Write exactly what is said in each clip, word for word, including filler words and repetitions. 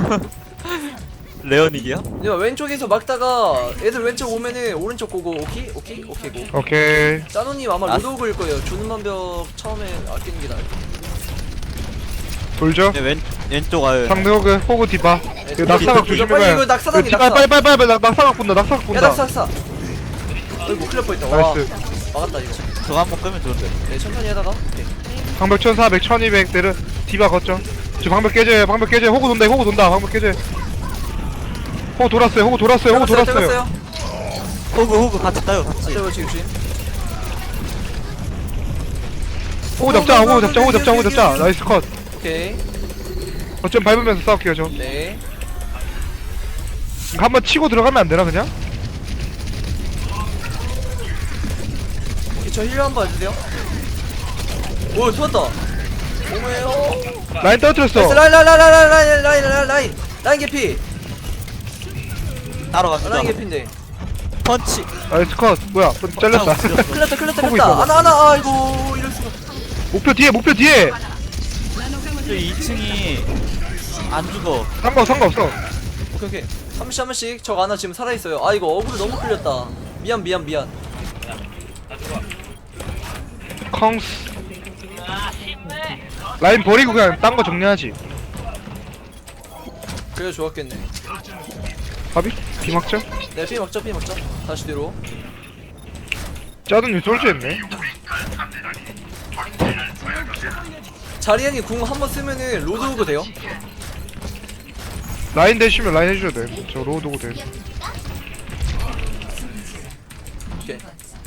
레어닉이야? 야 왼쪽에서 막다가 애들 왼쪽 오면은 오른쪽 고고. 오케이? 오케이? 오케이 고. 오케이. 짜노님 아마 아. 로드오그일 거예요. 주는 만벽 처음에 아끼는 게 나을 거예요. 돌죠. 네, 왼 왼쪽 아유. 상대 호그 호그 디바. 이거 낙사각 이거 조심해 빨리 봐요. 이거 낙사당이 빨리 낙사. 빨리 빨리 빨리 낙- 낙사각 본다. 낙사각 야 본다. 낙사 낙사. 어이구 큰일 날 뻔했다. 와 나이스. 막았다 이거. 저거 한번 끄면 좋은데. 네 천천히 하다가. 오케이. 방벽 천사백, 천이백 내려 디바 걷죠. 저 방벽 깨져요. 방벽 깨져요. 호구 돈다. 호구 돈다. 방벽 깨져요. 호구 돌았어요. 호구 돌았어요. 호구 떨궜어요, 돌았어요. 떨궜어요. 호그 호그 같이 따요 같이. 저거 지금 조심. 호구 잡자. 호구 잡자. 호구 잡자. 호구 잡자. 나이스 컷. 오케이. 어쩜 밟으면서 싸울게요 저. 네. 한번 치고 들어가면 안 되나 그냥? 오케이 저 힐러 한번 해주세요. 오 좋았다. 오메요. 라인 떨어뜨렸어. 나이스 라인 라인 라인 라인 라인 라인 라인 라인 라인 개피. 따로 라인 갑니다. 개피인데. 펀치. 나이스 컷. 뭐야? 잘렸다. 클났다 클났다 호구 클났다. 있어. 아나 아나 아이고 이럴 수가. 목표 뒤에. 목표 뒤에. 저 이 층이 안 죽어. 상관 상관없어. 오케이 오케이. 한 번씩 한 번씩. 저 아나 지금 살아 있어요. 아 이거 어그로 너무 끌렸다. 미안 미안 미안. 컹스. 라인 버리고 그냥 딴 거 정리하지. 그래 좋았겠네. 바비? 비막죠? 네 피 먹자 피 먹자. 다시 뒤로. 짜든님 솔주 했네. 자리안이 궁 한 번 쓰면은 로드오그 돼요. 라인 대시면 라인 해줘야 돼. 저 로드고 돼. 오케이.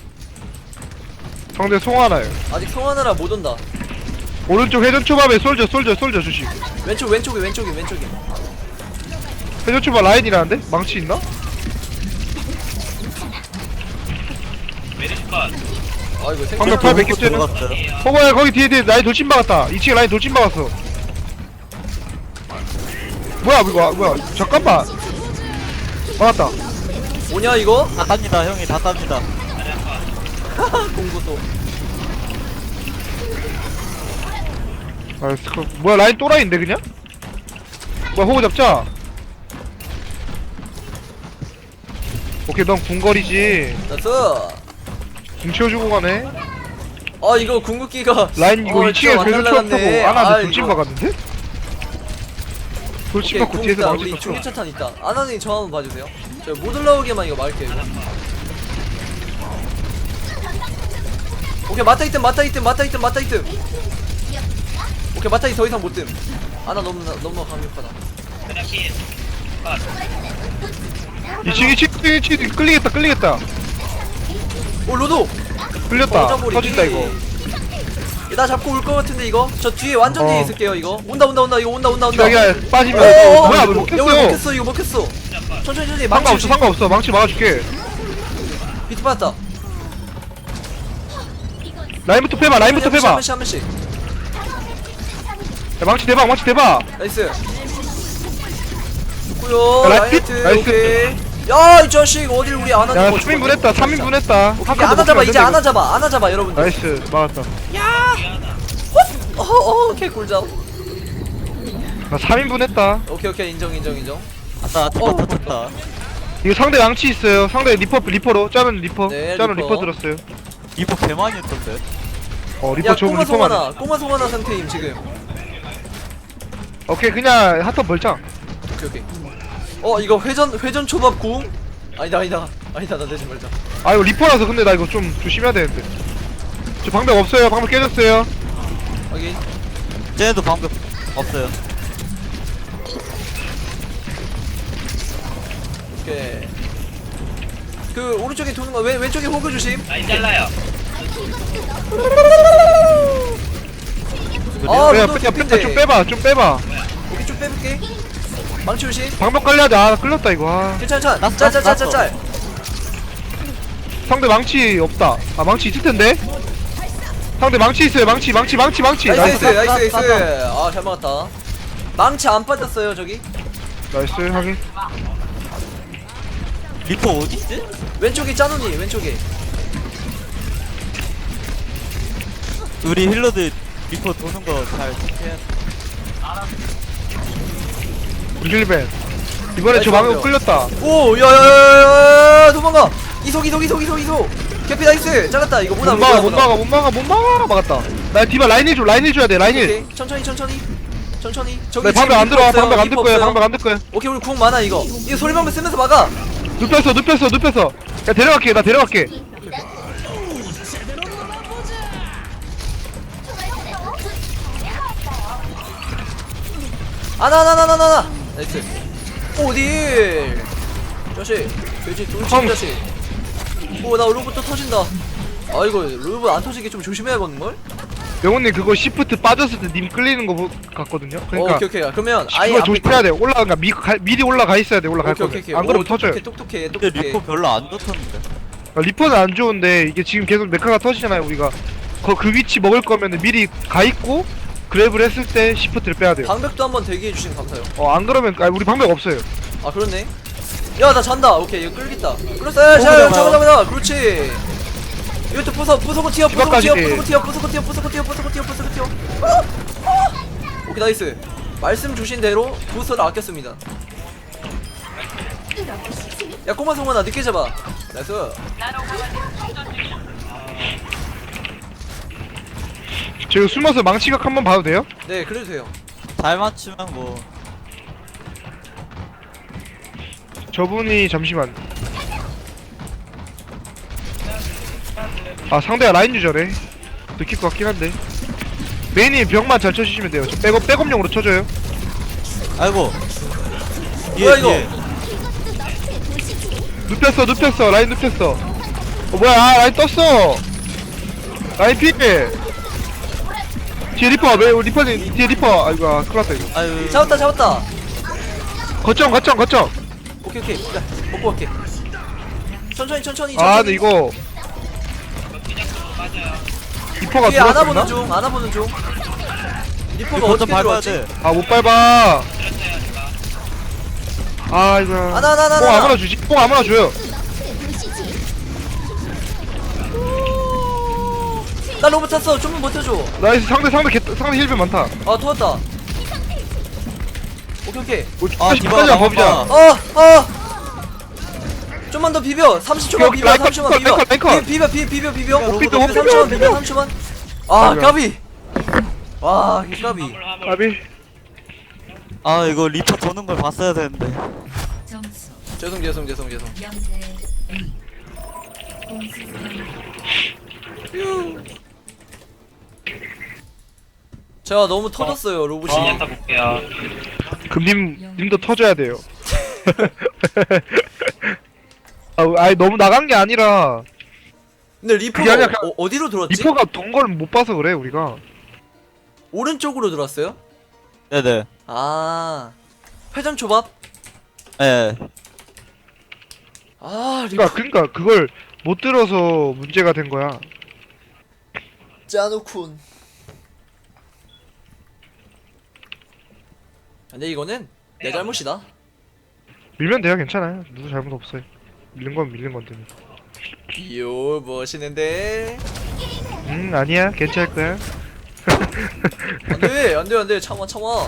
상대 송하나요. 아직 성하느라 못 온다. 오른쪽 회전 초밥에 솔져 솔져 솔져 주시. 왼쪽 왼쪽에 왼쪽에 왼쪽에. 회전 초밥 라인이라는데? 망치 있나? 아 이거 방금 생각. 팔 몇 개째는? 들어갔어요. 호거야 거기 뒤에 뒤에 라인 돌진 박았다. 이 층에 라인 돌진 박았어. 뭐야 이거 뭐야 잠깐만. 막았다. 뭐냐 이거? 다 땁니다 형이 다 땁니다. 공구도. 나이스 컷. 뭐야 라인 또라이인데 그냥? 뭐야 호구 잡자. 오케이 넌 궁거리지. 나이스. 궁 채워주고 가네. 아 이거 궁극기가. 라인 이거 어, 이 층에 진짜 회전 초밥 타고 날라갔네. 아나한테 아, 돌진 이거. 박았는데? 돌진 오케이 박고 궁 뒤에서 있다. 망치 우리 쳤어. 중계차탄 있다. 아나님 저 한번 봐주세요. 저 못 올라오게만 이거 막을게요 이거. 오케이 맞다 있든 맞다 있든 맞다 있든 맞다 있든. 오케이 맞다 더 이상 못 뜸. 아나 너무 너무 강력하다. 이 층이 층 층이 층 끌리겠다 끌리겠다. 오 로도. 끌렸다. 꽂아버리기. 터진다 이거. 나 잡고 올 것 같은데 이거. 저 뒤에 완전 뒤에 어. 있을게요 이거. 온다 온다 온다 이거 온다 온다 온다. 자기야 빠지면 어어어. 뭐야 이거 왜 먹혔어. 먹혔어 이거 먹혔어. 천천히 천천히 망치 상관없어 조심. 상관없어 망치 막아줄게. 비트 받았다. 라인부터 빼봐 라인부터 한 번씩, 빼봐. 한 번씩 한 번씩. 야, 망치 대박 망치 대박. 나이스. 좋고요. 야, 라인 라이트? 히트. 나이스. 오케이. 야, 이 자식 어딜 우리 안 하는 야 거 삼 인분 했다 삼 인분 했다. 오케이, 안아 잡아. 이제 안아 잡아. 안아 잡아, 여러분들. 나이스 막았다. 어, 어, 오케이 꿀잡. 나 삼 인분 했다. 오케이, 오케이. 인정, 인정, 인정. 아따 어. 터졌다 터졌다. 이거 상대 망치 있어요. 상대 리퍼 리퍼로 짜는 리퍼. 네, 짜는 리퍼. 리퍼 들었어요. 이거 개 많이 했던데. 어 야, 리퍼 좋은 꼬마 리퍼만. 송하나. 꼬마 송하나 상태임 지금. 오케이 그냥 핫터 벌짱. 오케이, 오케이. 어, 이거 회전 회전 초밥 궁? 아니다, 아니다. 아니다. 나 내지 말자. 아 이거 리퍼라서 근데 나 이거 좀 조심해야 되는데. 저 방벽 없어요. 방벽 깨졌어요. 확인. 쟤네도 방법 없어요. 오케이. 그 오른쪽에 도는 거 왼, 왼쪽에 호그 조심. 라인 잘라요. 아, 야, 로도 야, 개핀데. 뺐다 좀 빼봐 좀 빼봐. 오케이, 좀 빼볼게. 망치 조심. 방벽 관리해야 돼. 아 끌렸다 이거. 아. 괜찮아, 괜찮아. 났어, 짤, 짤, 짤, 짤, 났어. 짤. 상대 망치 없다. 아 망치 있을 텐데. 상대 망치 있어요. 망치 망치 망치 망치. 나이스, 나이스 나이스, 나이스. 나이스. 아, 잘 막았다. 망치 안 빠졌어요, 저기. 나이스 확인. 리퍼 어딨지? 왼쪽에 짜누니, 왼쪽에. 우리 힐러들 리퍼 도는 거 잘 체크해야 돼. 힐벤. 이번에 저 나이스, 방금 나이스. 끌렸다. 오 야야야야야 도망가. 이속 이속 이속 이속 이속. 개피 나이스. 잘랐다. 이거 뭐나 못 막아 못 막아 못 막아 못 막아 막았다. 나 디바 라인 힐 줘 라인 힐 줘야 돼 라인 힐. 오케이 천천히 천천히 천천히. 저기 나 지금 방벽 안 리퍼 들어와 없어요, 방벽 안 리퍼 들 거야 없어요. 방벽 안 들 거야. 오케이 우리 궁 많아 이거. 이거 소리방벽 쓰면서 막아. 눕혔어 눕혔어 눕혔어. 야 데려갈게 나 데려갈게. 아나나나나나 나이스. 오딜 자식 돼지 돌진 컴. 자식. 오나 로봇 또 터진다. 아 이거 로봇 안 터지게 좀 조심해야겠는걸? 명훈님 그거 시프트 빠졌을 때 님 끌리는 거 보- 같거든요. 어, 그러니까 오케이 오케이 그러면 아예 그거 앞에 조심해야 돼. 올라가 그러니까 미, 가, 미리 올라가 있어야 돼. 올라갈 오케이 거면. 오케이 오케이. 안 그러면 오, 터져요. 똑똑해 똑똑해 근데 똑똑해. 리포 별로 안 좋던데. 아, 리퍼는 안 좋은데 이게 지금 계속 메카가 터지잖아요. 우리가 거, 그 위치 먹을 거면 미리 가 있고 그랩을 했을 때 시프트를 빼야 돼요. 방벽도 한번 대기해 주시면 감사해요. 어 안 그러면 아 우리 방벽 없어요. 아 그렇네. 야 나 잔다. 오케이 이거 끌겠다. 끌었어. 야, 자 잡아요. 잡아 잡아 잡아. 그렇지. 이것도 부숴 부숴고 튀어 부숴고 디바까지. 튀어 부숴고 튀어 부숴고 튀어 부숴고 튀어 부숴고 튀어 부숴고 튀어. 어? 어? 오케이 나이스. 말씀 주신 대로 부스터를 아꼈습니다. 야 꼬마 성원아 늦게 잡아. 나이스. 제가 숨어서 망치각 한번 봐도 돼요? 네 그래도 돼요. 잘 맞추면 뭐. 저분이 잠시만. 아 상대가 라인 유저래. 느낄 것 같긴 한데. 메인이 벽만 잘 쳐주시면 돼요. 저 백업 백업용으로 쳐줘요. 아이고. 뭐야, 이거? 눕혔어 눕혔어 라인 눕혔어. 어 뭐야 아, 라인 떴어. 라인 피해. 뒤에 리퍼 왜 리퍼님 뒤에 리퍼. 아이고 아, 큰일났다 이거. 아유. 잡았다 잡았다. 거점 거점 거점. 오케이 오케이. 야 먹고 갈게. 천천히 천천히 천천히. 아 근데 이거 리퍼가 뒤에 안아보는 들어왔나? 중 안아보는 중. 리퍼가 리포 좀 어떻게 밟아야 들어왔지? 돼. 아 못 밟아. 아 이거. 아, 나, 나, 나, 뽕 나. 아무나 주지. 뽕 아무나 줘요. 나 로봇 탔어. 좀만 버텨줘. 나이스 상대 상대 개, 상대 힐변 많다. 아 터졌다. 오케이 오케이. 뭐 아, 다시 디바가 끝까지 나온다. 법이자. 어 어. 좀만 더 비벼. 삼십 초만 오케이, 비벼. 라이컨, 삼십 초만 비벼. 라이컨, 라이컨. 비- 비벼 비 비벼 비벼. 못 비벼 비벼, 못 삼십 초만 비벼. 비벼. 삼십 초만. 아 비벼. 까비. 와 이 까비. 아비. 아 이거 리포 도는 걸 봤어야 되는데. 점수 죄송 죄송 죄송 죄송. 영 대 일. 공수 제가 너무 터졌어요 로봇이. 금님 님도 터져야 돼요. 아, 아니 너무 나간 게 아니라 근데 그게 리퍼가 아니라 어, 어디로 들어왔지? 리퍼가 돈 걸 못 봐서 그래 우리가. 오른쪽으로 들어왔어요? 네네. 아 회전 초밥? 예. 아 리퍼 그러니까 그러니까 그걸 못 들어서 문제가 된 거야. 짜누쿤. 근데 이거는 내 잘못이다. 밀면 돼요 괜찮아요. 누구 잘못 없어요. 밀는 건 밀는 건데. 비오 멋있는데. 음 아니야 괜찮을 거야. 안돼 안돼 안돼 참아 참아.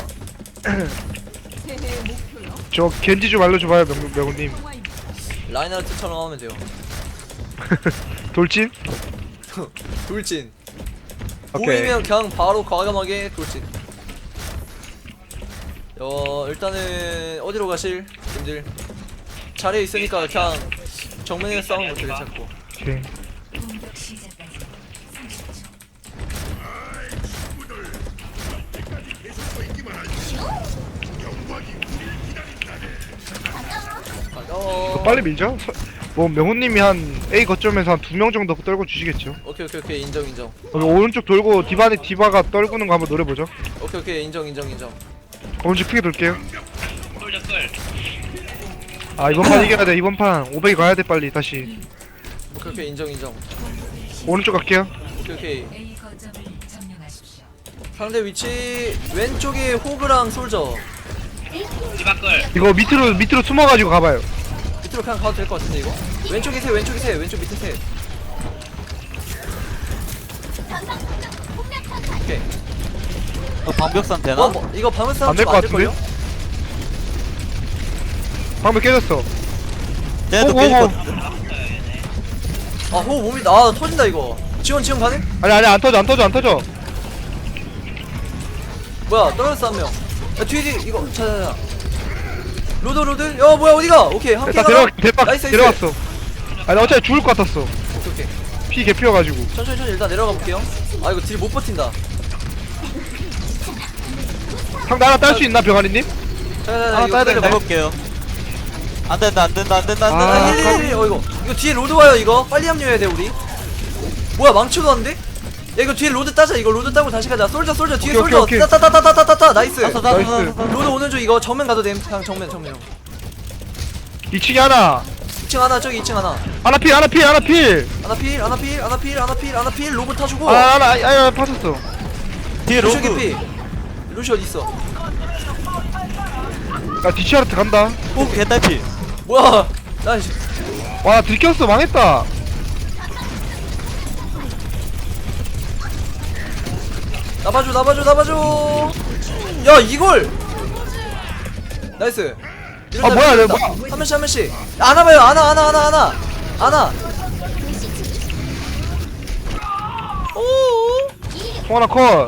저 겐지 좀 알려줘봐요 명 명훈님. 라인하르트처럼 하면 돼요. 돌진? 돌진. 오케이. 보이면 그냥 바로 과감하게 돌진. 어 일단은 어디로 가실 님들? 자리에 있으니까 그냥 정면에 싸우는 것도 괜찮고. 오케이. 공격 시작까지 삼십 초. 가자. 이거 빨리 밀죠? 서, 뭐 명훈님이 한 A 거점에서 한 두 명 정도 떨고 주시겠죠? 오케이 오케이 오케이 인정 인정. 어, 오른쪽 돌고 디바니 디바가 떨구는 거 한번 노려보죠. 오케이 오케이 인정 인정 인정. 오른쪽 크게 돌게요. 아 이번 판 이겨야 돼. 이번 판 오백이 가야 돼 빨리 다시. 오케이 오케이 인정 인정. 오른쪽 갈게요. 오케이 오케이. A 거점을 점령하십시오. 상대 위치 왼쪽에 호그랑 솔저. 이거 밑으로 밑으로 숨어가지고 가봐요. 밑으로 그냥 가도 될 것 같은데 이거? 왼쪽에 세 왼쪽에 세 왼쪽 밑에 세. 오케이. 어, 방벽산 되나? 어, 뭐, 이거 방울 싸움 안될 좀 것 안될걸요? 방금 깨졌어. 쟤네도 오, 오, 깨졌거든. 아 호흡 몸이 아 터진다 이거. 지원 지원 가능? 아니 아니 안 터져 안 터져 안 터져. 뭐야 떨어졌어 한 명. 야 뒤에 뒤에 이거 자자자. 로드 로드. 야 뭐야 어디가? 오케이 함께 일단 가라. 데려가 대박 나이스, 나이스. 데려갔어. 아니 나 어차피 죽을 것 같았어. 오케이 오케이. 피 개피여가지고. 천천히 천천히 일단 내려가 볼게요. 아 이거 딜 못 버틴다. 상대 하나 딸 수 있나 병아리님? 자자자 하나 이거 따야 돼. 기다려봐. 해볼게요. 안 된다 안 된다 안 된다 안 아, 된다. 아, 힐, 힐, 힐. 어 이거 이거 뒤에 로드 와요 이거 빨리 합류해야 돼 우리. 뭐야 망치도 왔는데? 야 이거 뒤에 로드 따자 이거 로드 따고 다시 가자. 솔져 솔져 뒤에 오케이, 솔져 오케이, 오케이. 따따따따따따따 나이스. 나서 나서 나이스. 나서. 로드 오는 중 이거 정면 가도 됨. 그냥 정면 정면. 이 층에 하나. 이 층 하나 저기 이 층 하나. 하나 필 하나 필 하나 필. 하나 필 하나 필 하나 필 하나 필 하나 필 로봇 타주고. 아 하나 아니 아니 빠졌어. 뒤에 루시 로그. 개피. 루시 어디 있어? 나 디치아르트 간다. 오 개딸피. 뭐야? 나 씨. 와 들켰어 망했다. 나봐줘 나봐줘 나봐줘. 야 이걸. 나이스. 아, 뭐야, 내가 뭐야. 한 명씩 한 명씩. 안아 봐요 안아 안아 안아 안아 안아. 오. 통 하나 컷.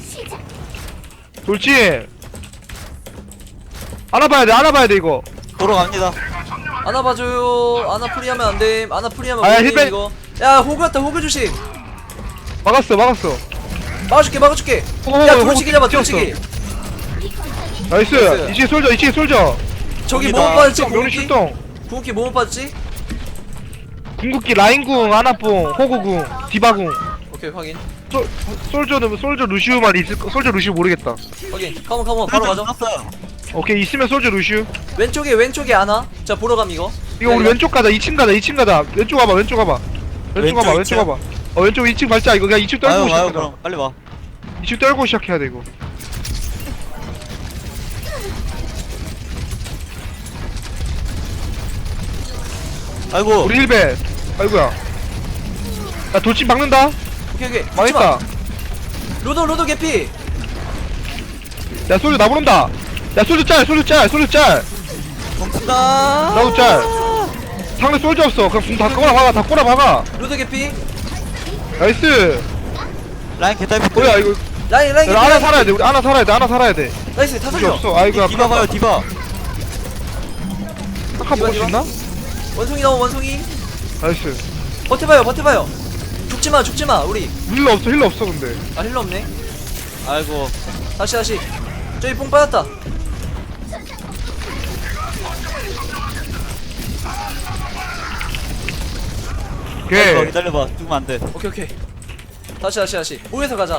돌진. 안아봐야 돼 안아봐야 돼 이거. 보러 갑니다. 안아 봐줘요. 안아 프리하면 안 돼. 안아 프리하면 아, 야, 못 돼, 힐백. 이거. 야 호그 왔다 호그 조심. 막았어 막았어. 막아줄게 막아줄게. 오, 야 오, 돌치기 오, 잡아 뛰었어. 돌치기. 나이스. 나이스. 이층에 솔져 이층에 솔져. 저기 여기다. 뭐못 빠졌지? 명리 궁극기? 출동. 궁극기 뭐못 빠졌지? 궁극기 라인궁 아나뽕 호구궁 디바궁. 오케이 확인 솔 솔저는 솔저 루시우만 있을 거. 솔저 루시우 모르겠다. 확인. 컴온 컴온 바로 가죠. 놨어요. 오케이 있으면 솔저 루시우. 왼쪽에 왼쪽에 안아. 자 보러 감 이거. 이거 우리 야, 왼쪽 가자. 이 층 가자. 이 층 가자. 왼쪽 가봐. 왼쪽 가봐. 왼쪽 왼쪽 가봐. 이 왼쪽 층? 가봐. 어 왼쪽 이 층 밟자. 이거 그냥 이 층 떨고 와요 와요 시작하자. 그럼 빨리 와. 이 층 떨고 시작해야 돼 이거. 아이고. 우리 힐베. 아이고야. 야 돌진 박는다. 오케이 오케이. 죽지 망했다. 마. 로드 로드 개피. 야 솔저 나 부른다. 야 솔저 짤. 솔저 짤. 솔저 짤. 공푼다. 나도 짤. 상대 솔저 없어. 그럼 궁다 꼬라 박아. 다 꼬라 박아. 로드 개피. 나이스. 라인 개딸피. 뭐야 이거. 라인 라인 야, 개피. 하나 살아야 돼. 우리 하나 살아야 돼. 하나 살아야 돼. 나이스 다 솔저 살려. 없어. 아이고야. 디바 봐요 디바. 한칸 먹을 수 디바, 있나? 원숭이 나오 원숭이. 나이스. 버텨봐요 버텨봐요. 죽지마 죽지마 우리. 힐러 없어. 힐러 없어 근데. 아 힐러 없네. 아이고. 다시 다시. 저기 뽕 빠졌다. 오케이. 기다려봐 기다려봐. 죽으면 안 돼. 오케이 오케이. 다시 다시 다시. 모여서 가자.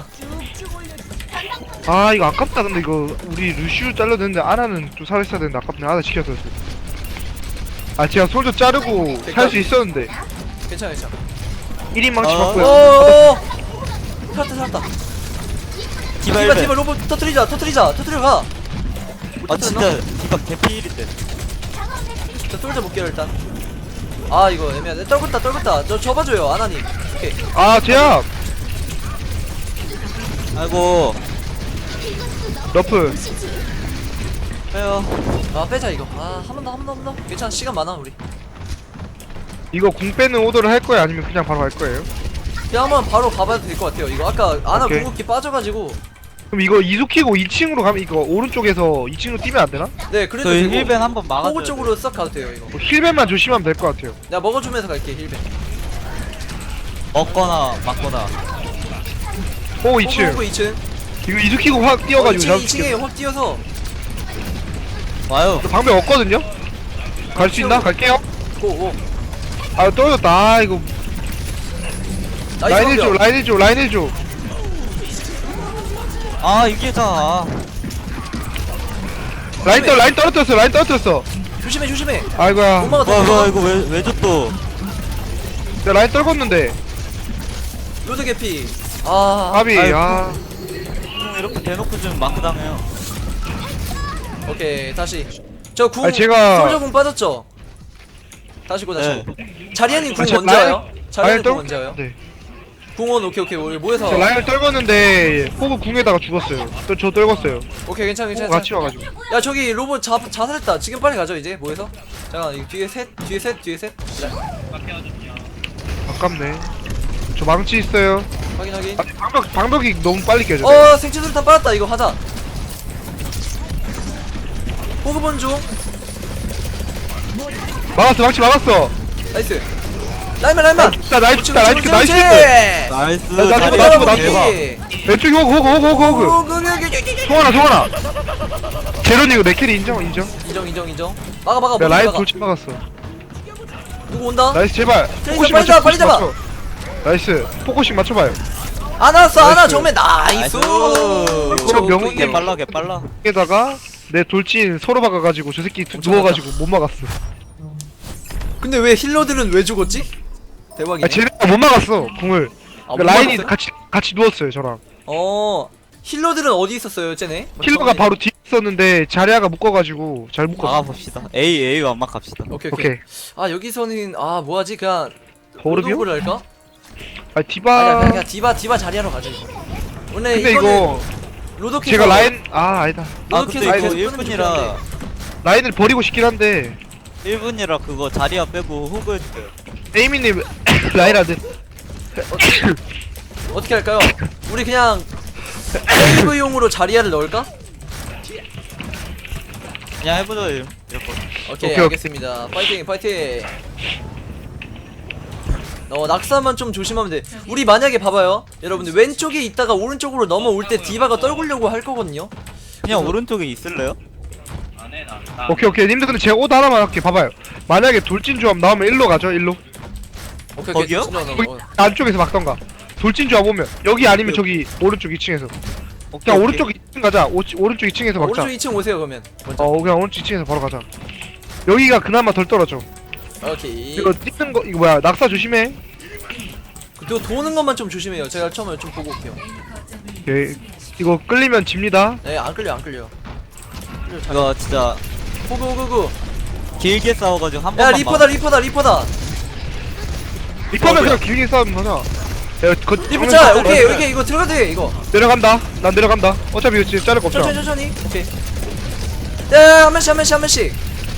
아 이거 아깝다. 근데 이거 우리 루시우 잘라야 되는데 아나는 좀 살아있어야 되는데 아깝네. 아나 지켜서. 아 제가 솔저 자르고 살 수 있었는데 괜찮아 괜찮아. 일 인 망치 어. 맞고요. 오오오. 살았다 살았다. 디바 디바 일벤. 디바 로봇 터트리자 터트리자 터트려 가. 아 진짜 디바 개피일인데. 저 솔져 볼게요 일단. 아 이거 애매하네. 떨궜다 떨궜다. 저 접어줘요 아나님. 오케이. 아 제압. 아이고. 러프. 빼요. 아 빼자 이거. 아 한 번 더 한 번 더 한 번 더. 괜찮아 시간 많아 우리. 이거 궁 빼는 오더를 할 거예요? 아니면 그냥 바로 갈 거예요? 그냥 한번 바로 가봐도 될 것 같아요. 이거 아까 아나 오케이. 궁극기 빠져가지고. 그럼 이거 이숙키고 이 층으로 가면 이거 오른쪽에서 이 층으로 뛰면 안 되나? 네 그래도 저희 되고. 힐벤 한번 막아줘야 호구 돼. 쪽으로 싹 가도 돼요 이거. 뭐 힐벤만 조심하면 될 것 같아요. 내가 먹어주면서 갈게 힐벤. 먹거나 막거나. 오 이 층. 호구 이 층. 이거 이숙키고 확 뛰어가지고 어, 이 층에 잡을게요. 확 뛰어서. 와요. 저 방벽 없거든요? 갈 수 있나? 갈게요. 고고. 아 떨어졌다. 아 이거 라인 나이스 일 줘 방벽. 라인 일 줘 라인 일 줘. 아 이게잖아. 라인 떨 라인 떨어뜨렸어 라인 떨어뜨렸어. 조심해 조심해. 아이고야. 못 막았다. 와, 못 와 막았다. 이거 왜 왜 줘 또? 내가 라인 떨궜는데. 로드 개피. 아. 아비 아이고. 아. 형 이렇게 대놓고 좀 마크 당해요. 오케이 다시. 저 궁. 아니, 제가- 솔저 궁 빠졌죠. 다시 고 다시. 네. 자리아님 궁 아, 제 언제 라인- 와요? 자리아님 궁 떨- 언제 와요? 네. 궁원 오케이 오케이 우리 모여서. 저 라인을 떨궜는데 호구 궁에다가 죽었어요. 또 저 떨궜어요. 오케이 괜찮아 호구 괜찮아. 같이 와가지고. 야 저기 로봇 자 자살했다. 지금 빨리 가죠 이제 모여서. 잠깐 이 뒤에 셋 뒤에 셋 뒤에 셋. 자, 아깝네. 저 망치 있어요. 확인 확인. 아, 방벽 방벽이 너무 빨리 깨져. 어 생체수류탄 빨았다. 이거 하자. 호그본 중. 막았어 망치 막았어. 나이스. 라이만 라이만. 나 나이스 나 나이스 나이스. 나이스. 나, 나, 자리야 나, 뭐. 나, 나, 나. 왼쪽이 호구 호구 호구 호구 호구. 송하나 송하나. 제로니 이거 내 캐리 인정 인정. 인정 인정 인정. 막아 막아. 야 못 라인 막아. 돌진 막았어. 누구 온다? 나이스 제발. 트레이서 포커싱 빨리 맞춰, 잡아, 빨리 포커싱 잡아. 맞춰. 나이스 포커싱 맞춰봐요. 안 왔어 안 와. 나이스. 정면 나이스. 이거 명훈이 개 빨라 개 빨라. 에다가 내 돌진 서로 박아가지고 저 새끼 두- 누워가지고 못 막았어. 근데 왜 힐러들은 왜 죽었지? 대박이네. 아 쟤네가 못 막았어 궁을. 아, 그러니까 못 라인이 막았어요? 같이 같이 누웠어요 저랑. 어 힐러들은 어디 있었어요, 쟤네? 킬러가 바로 뒤에 있었는데 자리아가 묶어가지고 잘 묶었어. 막아봅시다. A A 완막 갑시다. 오케이 오케이. 오케이. 아 여기서는 아 뭐하지 그냥 버르비오? 로드오브를 할까? 아 아 디바. 그냥, 그냥 디바 디바 자리하러 가자 이거. 원래 근데 이거는 이거 로드오케 제가 라인 아 아니다. 아 로드오케 근데 이거 아이고, 일 분이라 라인을 버리고 싶긴 한데 일 분이라 그거 자리야 빼고 호그해주세요. 에이미님 라인 안 돼. 어떻게 할까요? 우리 그냥 세이브용으로 자리아를 넣을까? 그냥 해보자 이거. 오케이, 오케이, 알겠습니다. 파이팅 파이팅. 어 낙사만 좀 조심하면 돼. 우리 만약에 봐봐요, 여러분들 왼쪽에 있다가 오른쪽으로 넘어올 때 디바가 떨구려고 할 거거든요. 그냥 그래서- 오른쪽에 있을래요? 오케이 오케이 님들 근데 제가 옷 하나만 할게. 봐봐요. 만약에 돌진 조합 나오면 일로 가죠 일로. 오케이 거기요? 진짜 넘어. 거기 안쪽에서 막던가. 돌진 조합 오면 여기 아니면 저기 오른쪽 이 층에서. 오케이, 그냥 오케이. 오른쪽 이 층 가자. 오, 오른쪽 이 층에서 막자. 오른쪽 이 층 오세요 그러면. 먼저. 어 그냥 오른쪽 이 층에서 바로 가자. 여기가 그나마 덜 떨어져. 오케이. 이거 뛰는 거 이거 뭐야 낙사 조심해. 그리고 도는 것만 좀 조심해요. 제가 처음에 좀 보고 올게요. 오케이. 이거 끌리면 집니다. 네, 안 끌려, 안 끌려. 끌려, 잘. 이거 진짜 호그, 호그, 호그. 길게 싸워가지고 한 야, 번만. 리퍼다, 리퍼다, 리퍼다. 리퍼는 어, 그냥 길게 싸우면 되나? 야, 거, 리퍼 짜. 오케이, 오케이, 이거 들어가도 돼, 이거. 내려간다. 난 내려간다. 어차피 이거 지금 자를 거 없잖아. 천천히, 천천히. 오케이. 야, 한 명씩, 한 명씩, 한 명씩.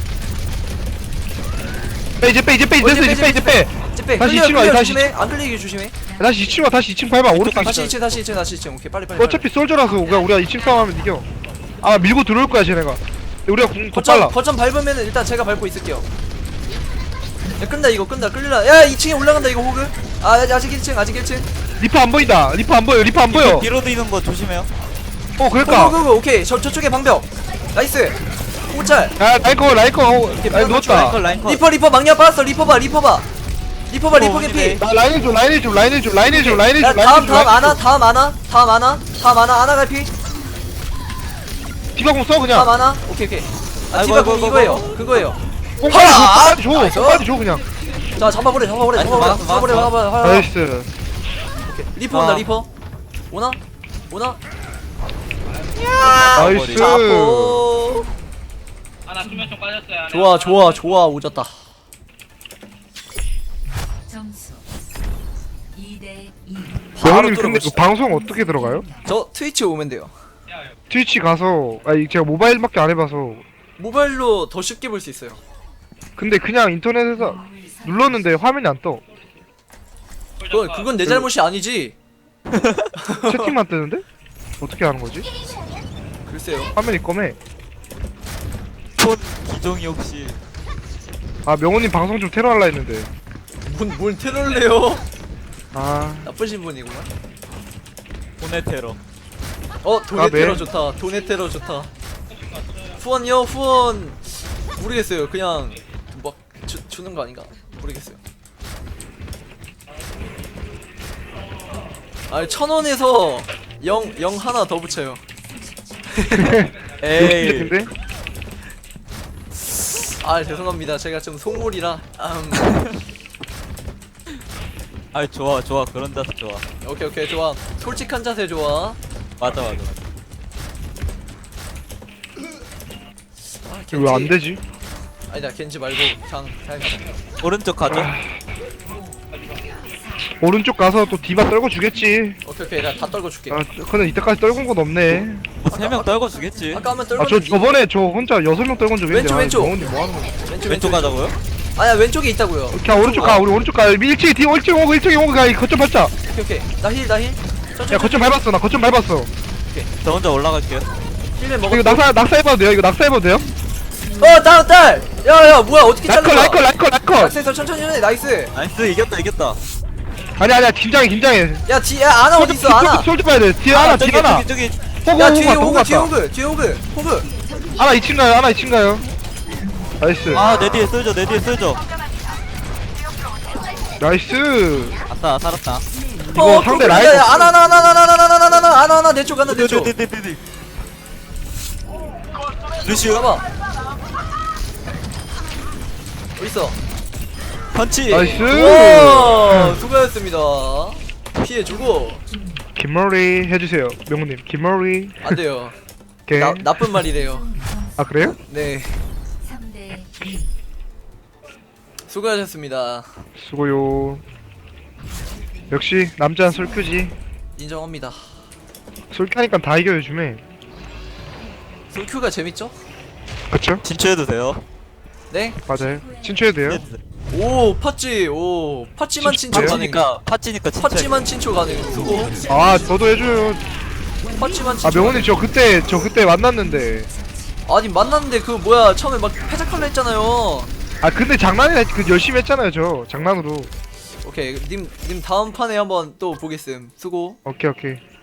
빼 이제 빼 이제 빼 어, 이제 빼 이제 빼 이제 빼. 이제 빼. 다시 끌려, 이층 와, 끌려, 다시 조심해. 안 끌리게 조심해. 다시 이 층 와 다시 이 층 밟아. 오른쪽 다시 이 이 층, 다시 이 층, 다시 이 층, 다시 오케이, 빨리, 빨리. 어차피 솔저라서 그냥 우리가 이 층 싸움하면 이겨. 아 밀고 들어올 거야 쟤네가. 우리가 공 더 거점, 빨라. 거점 밟으면은 일단 제가 밟고 있을게요. 야, 끈다, 이거 끈다, 끌리라. 야, 이 층에 올라간다, 이거 호그. 아, 아직 일 층, 아직 일 층. 리퍼 안 보인다. 리퍼 안 보여. 리퍼 안 보여. 뒤로 뛰는 거 조심해요. 어 호그, 그러니까. 호그, 오케이. 저, 저쪽에 방벽. 나이스. 호짤. 야 라이커 라이커. 아 누웠다. 라인 라인 컷. 리퍼 리퍼 망령 빠졌어. 리퍼 봐 리퍼 봐 리퍼 봐 리퍼 어, 개피. 오니네. 나 라인을 좀 라인을 좀 라인을 좀 라인을 좀 라인을 야 좀 다음 라인을 좀. 다음 아나 다음 아나 다음 아나 다음 아나 아나 갈피 디바 공써 다음 그냥. 아나 오케이 오케이. 아 아이고, 디바 아이고, 공 아이고, 이거예요 아이고. 그거예요. 공 빨리 줘. 하! 빨리 줘. 나이스. 빨리 줘 그냥. 자 잡아버려 잡아버려 나이스, 잡아버려 막았어, 잡아버려 막았어. 잡아버려. 나이스. 리퍼 온다 아. 리퍼 오나 오나 나이스. 잡고. 하나 수면 좀 빠졌어요. 좋아 좋아 좋아 오졌다. 점수 이 대 이. 바로 영훈님 근데 그 뚫어봅시다. 방송 어떻게 들어가요? 저 트위치 오면 돼요. 트위치 가서 아니 제가 모바일밖에 안 해봐서 모바일로 더 쉽게 볼 수 있어요. 근데 그냥 인터넷에서 눌렀는데 화면이 안 떠. 그건 그건 내 잘못이 아니지. 채팅만 뜨는데? 어떻게 하는 거지? 글쎄요. 화면이 검해. 폰 기종이 혹시 아 명훈님 방송 좀 테러 할라 했는데. 뭔, 뭔 테러래요? 아 나쁘신 분이구만. 돈의 테러. 어 돈의 아, 네. 테러 좋다. 돈의 테러 좋다. 후원요 후원 모르겠어요. 그냥 막 주, 주는 거 아닌가 모르겠어요. 아니 천 원에서 영 영 하나 더 붙여요. 에이. 근데 아 죄송합니다. 제가 좀 속물이라. 음, 아 좋아 좋아 그런 자세 좋아. 오케이 오케이 좋아. 솔직한 자세 좋아. 맞아 맞아 맞아. 아, 겐지. 왜 안 되지? 아니다 겐지 말고 그냥 그냥 가자. 오른쪽 가죠. 오른쪽 가서 또 디바 떨궈 주겠지. 오케이 오케이 나 다 떨궈 줄게. 아 근데 이때까지 떨군 건 없네. 뭐 세 명 떨궈 주겠지. 아까 한번 아 저 떨궜는데 저번에 저 혼자 여섯 명 떨군 적이 있는데. 왼쪽, 왼쪽. 명훈님 뭐 하는 거야? 왼쪽 왼쪽 가자고요? 아니야 왼쪽에 있다고요. 그냥 오른쪽 가 우리 오른쪽 가 일찍 뒤 일찍 오고 일찍 오고 가 거점 밟자. 오케이 오케이 나 힐 나 힐. 천천히. 야 거점 밟았어 나 거점 밟았어. 저 혼자 올라갈게요. 힐맨 이거 먹었어. 낙사 낙사해봐도 돼요 이거 낙사해봐도 돼요? 어 다운 딸. 야야 뭐야 어떻게 잘라? 라이컬 라이컬 라이컬 라이컬. 낙세서 천천히 해 나이스. 나이스 이겼다 이겼다. 아니 아니야 긴장해 긴장해. 야 뒤에 아나 어디 있어 아나. 솔드 봐야 돼 뒤에 하나 저기 뒤에 하나. 저기 저기. 호구 야 호구 뒤에 갔다 호구 호그 뒤에 갔다. 호그 뒤에 호그 호그. 하나 이 층 가요 하나 이 층 가요. 나이스 아내 뒤에 쏠져 내 뒤에 쏠져. 나이스. 아싸 살았다. 이거 상대 라인 야 없어. 아나 아나 아나 아나 아나 아나 아나 아나 아나 아나 내쪽 아나 내쪽. 네네네네. 루시오 잡아. 어디 있어? 펀치. 나이스. 와 수고하셨습니다. 피해주고 김머리 해주세요 명훈님 김머리. 안 돼요. 오케이. 나 나쁜 말이래요. 아 그래요? 네 삼 대 이. 수고하셨습니다. 수고요. 역시 남자는 솔큐지. 인정합니다. 솔큐하니까 다 이겨 요즘에. 솔큐가 재밌죠? 그쵸? 진출해도 돼요? 네. 맞아요. 친추해도 돼요. 네. 오 팥찌 오 팥찌만 친초 가능. 팥찌니까 팥찌니까 진짜. 팥찌만 친초 가능. 수고. 아 저도 해줘요. 팥찌만 친초. 아 명훈님 저 그때 저 그때 만났는데. 아니 만났는데 그 뭐야 처음에 막 패작할라 했잖아요. 아 근데 장난이 그 열심히 했잖아요 저 장난으로. 오케이 님 님 다음 판에 한번 또 보겠음. 수고. 오케이 오케이.